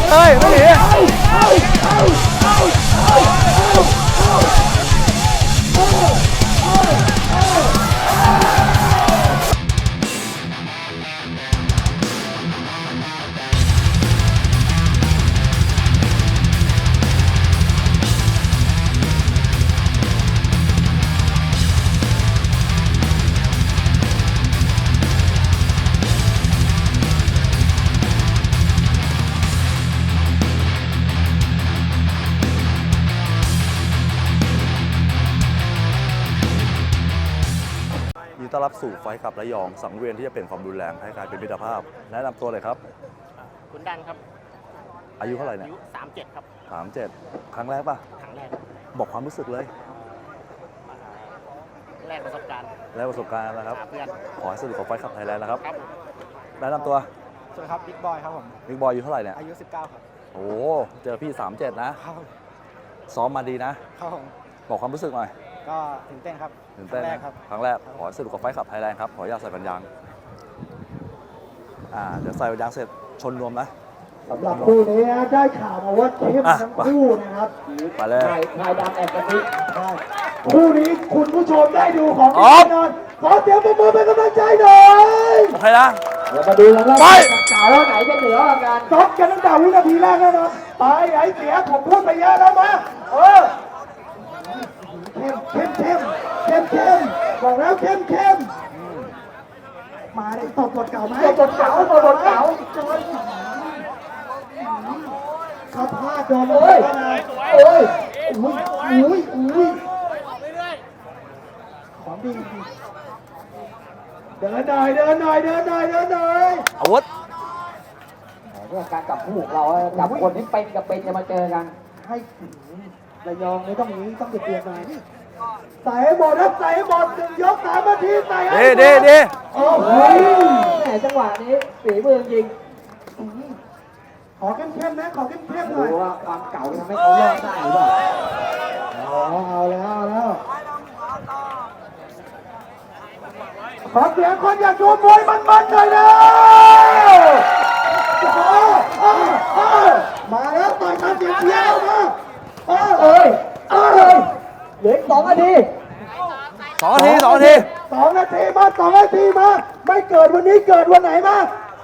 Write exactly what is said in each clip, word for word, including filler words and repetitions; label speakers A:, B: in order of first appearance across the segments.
A: เฮ้ยไม่หนีต้อนรับสู่ไฟขับระยองสังเวียนที่จะเป็นความรุนแรงให้กลายเป็นมิตรภาพแนะนำตัวเลยครับ
B: คุณดันครับ
A: อายุเท่าไหร่เนี่ย
B: อายุสามเจ็ดครับ
A: สามเจ็ดครั้งแรกป่ะ
B: ครั้งแรก
A: บอกความรู้สึกเลย
B: แรกประสบการณ์
A: แรกประสบการณ์นะครับ
B: เพื่อน
A: ขอให้สนุกกับไฟขับไทยแลนด์นะครับ
B: ครับ
A: แนะนำตัว
C: สวัสดีครับบิ๊กบอยครับผม
A: บิ๊กบอยอายุเท่าไหร่เนี่ย
C: อายุสิบเก้าครับ
A: โอ้เจอพี่สามเจ็ดนะครับซ้อมมาดีนะครับ
C: ผม
A: บอกความรู้สึกหน่อย
C: ก็ตื่นเต้นครับ
A: ตื่นเต้น
C: ครับ
A: ครั้งแรกขอสนุกกับไฟขับไทยแลนด์ครับขออนุญาตใส่ปัญญางอ่าเดี๋ยวใส่ปัญญางเสร็จชนรวมนะ
D: สำหรับคู่นี้ได้ข่าวมาว่าเข้มทั้งคู่นะครับ
A: มาเลย
D: นายดำแอบกระซิบได้คู่นี้คุณผู้ชมได้ดูของแน่นอนขอเสียงปรบมือเป็นกำลังใจหน่อย
A: โอเคนะ
D: เดี๋ยวมาดูกันว่าสาวไหนจะเหนือกว่ากัน
C: ซัดกันตั้งแต่วินาทีแรกแล้วนะตายไอ้เสียผมพูดไปเยอะแล้วมาเออเข้มเข้มเข้มเข้มเข้มบอกแล้วเข้มเข้มมาได้ตบกดเก่าไหม
D: ตบกดเก่าตบกดเก่า
C: ข้าพาโดนเลยโอ้ยอุ้ยอุ้ยอุ้ยของดีเดินหน่อยเดินหน่อยเดินหน่อยเดินหน่อย
A: อาวุธ
D: เรื่องการกับผู้เราจับคนที่เป็นกับเป็นจะมาเจอกัน
C: ให้ระยองไม่ต้องนี้ต้องเปลี่ยนหน่อยใส่ให้หมดครับใส่ให้หมดหนึ่งยกสามนาทีใส่ให้
A: ดีดีดี
C: โอ้โห
D: แหมจังหวะนี้ฝีมือจริง
C: ขอเข้มๆนะขอเข้มๆหน่อย
D: ดูว่าความเก่าทำให้เขารอดได้หรือเปล่า
C: เอาเอาแล้วเอาแล้วขอเสียงคนอยากดูมวยมันๆหน่อยนะมาแล้วต่อยตามเสียงเชียร์มาเอ้ยเอ้ยเอ้ย
D: เหลือสองนาที
A: สองนาทีสองนาที
C: สองนาทีมาสองนาทีมาไม่เกิดวันนี้เกิดวันไหนมา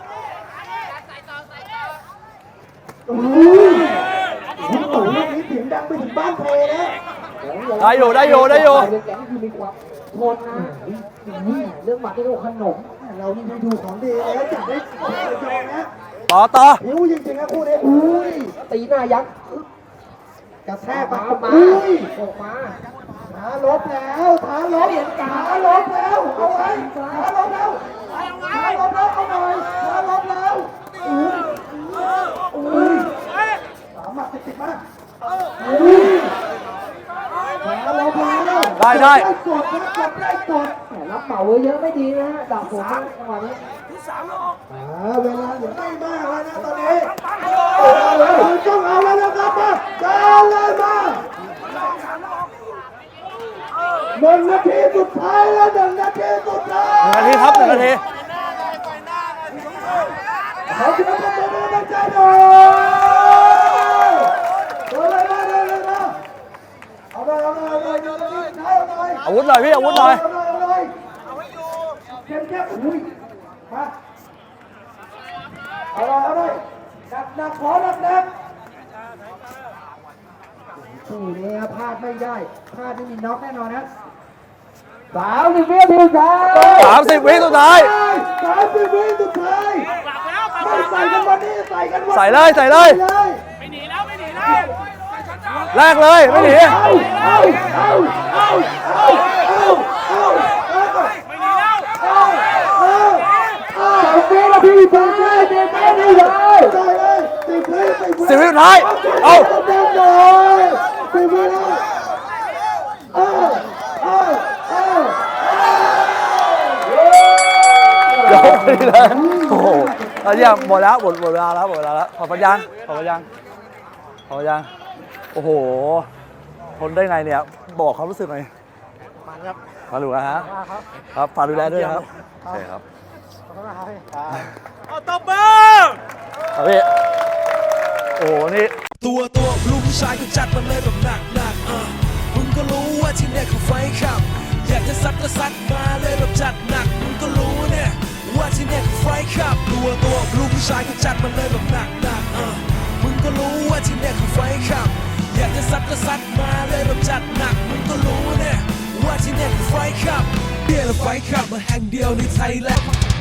C: โอ้ยโอ้ยนี่เสียงดังไปถึงบ้านเพลนะ
A: ได้อยู่ได้อยู่ได้อยู่
D: แกงคือมีความทนนะเรื่องหมัดที่เขาขนม
C: เรานี่ดูของดีแล้วจัดได้ของเลยนะ
A: ต่อต่อ
C: หิวจริงๆนะคู่นี้อุ้ย
D: ตีหน้ายักษ์
C: กระแทกมาอุ้ย
D: ออกมา
C: ท้าลบแล้วท้าลบท้าลบแล้วเอาไว้ท้าลบแล้วท้าลบแล้วเอาหน่อยท้าลบแล้วอุ้ยอุ้ยสามหมัดติดมากอุ้ยท้าลบแล้ว
A: ได้ได้
C: กดนะกดได้กด
D: รับเหมาเยอะไม่ดีนะฮะดับผมจังหวะนี้
C: เวลาเหลือไม่มากแล้วนะตอนนี้ต้องเอาแล้วนะครับมาการเลยมาหนึ่งนาทีสุดท้ายแล้วหนึ่งนาทีสุดท้าย
A: หนึ่งนาทีครับหนึ่งนาที
C: ขอเสียงปรบมือเป็นกำลังใจหน่อยเดินเลยมาเดินเลยมาเอาหน่อยเอาหน่อยเอาหน่อยเอาหน่อยเอาหน่อย
A: อาวุธหน่อยพี่อาวุธหน่อย
C: เอาหน่อยเอาหน่อยเข้มเข้มอุ้ยมาเอาเลยเอาเลยหนักหนักขอหนักหนักคู่นี้พลาดไม่ได้พลาดไม่มีน็อกแน่นอนนะ
D: สามสิบวิสุดท้าย
A: สามสิบวิสุดท้าย
C: สามสิบวิสุดท้ายไม่ใส่กันวันนี้ใส่กันวัน
A: ใส่เลยใส่เลย
B: ไม่หนีแล้วไม่หนีแล้ว
A: แรกเลยไม่หนี
C: เอาเอาเอาเอาเอาเอาเอา
B: ไม่หนีแล้ว
C: เอาเอาเอา
D: สิบวินาทีสุดท้ายเด็กไม่ได้เลย
C: ได้เลยสิบวิ
A: สิบวิสุดท้ายเอา
C: สิบวิแล้วเอาเอาเอา
A: เดี๋ยวไปเลยโอ้โหตอนนี้หมดแล้วหมดหมดเวลาแล้วหมดเวลาแล้วขอปัญญาขอปัญญาขอปัญญาโอ้โหทนได้ไงเนี่ยบอกเขารู้สึกหน่อย
C: มาครับ
A: มาดูนะฮะครับฝากดูแลด้วยครับโอเคครับ
C: ขอบคุณครับ
B: เอาตบมือ
A: ครับพี่โอ้อ้โหนี่
E: ตัวตัวลูกผู้ชายก็จัดมันเลยแบบหนักหนักๆอ่ะมึงก็รู้ว่าที่เนี่ยเขาไฟขับ อยากจะซัดก็ซัดมาเลยแบบจัดหนักมึงก็รู้เนี่ยว่าที่เนี่ยเขาไฟขับ ตัวตัวลูกผู้ชายก็จัดมันเลยแบบหนักหนักๆอ่ะมึงก็รู้ว่าที่เนี่ยเขาไฟขับ อยากจะซัดก็ซัดมาเลยแบบจัดหนักมึงก็รู้เนี่ยว่าที่เนี่ยเขาไฟขับเบียร์และไฟขับมาแห่งเดียวในไทยแลนด์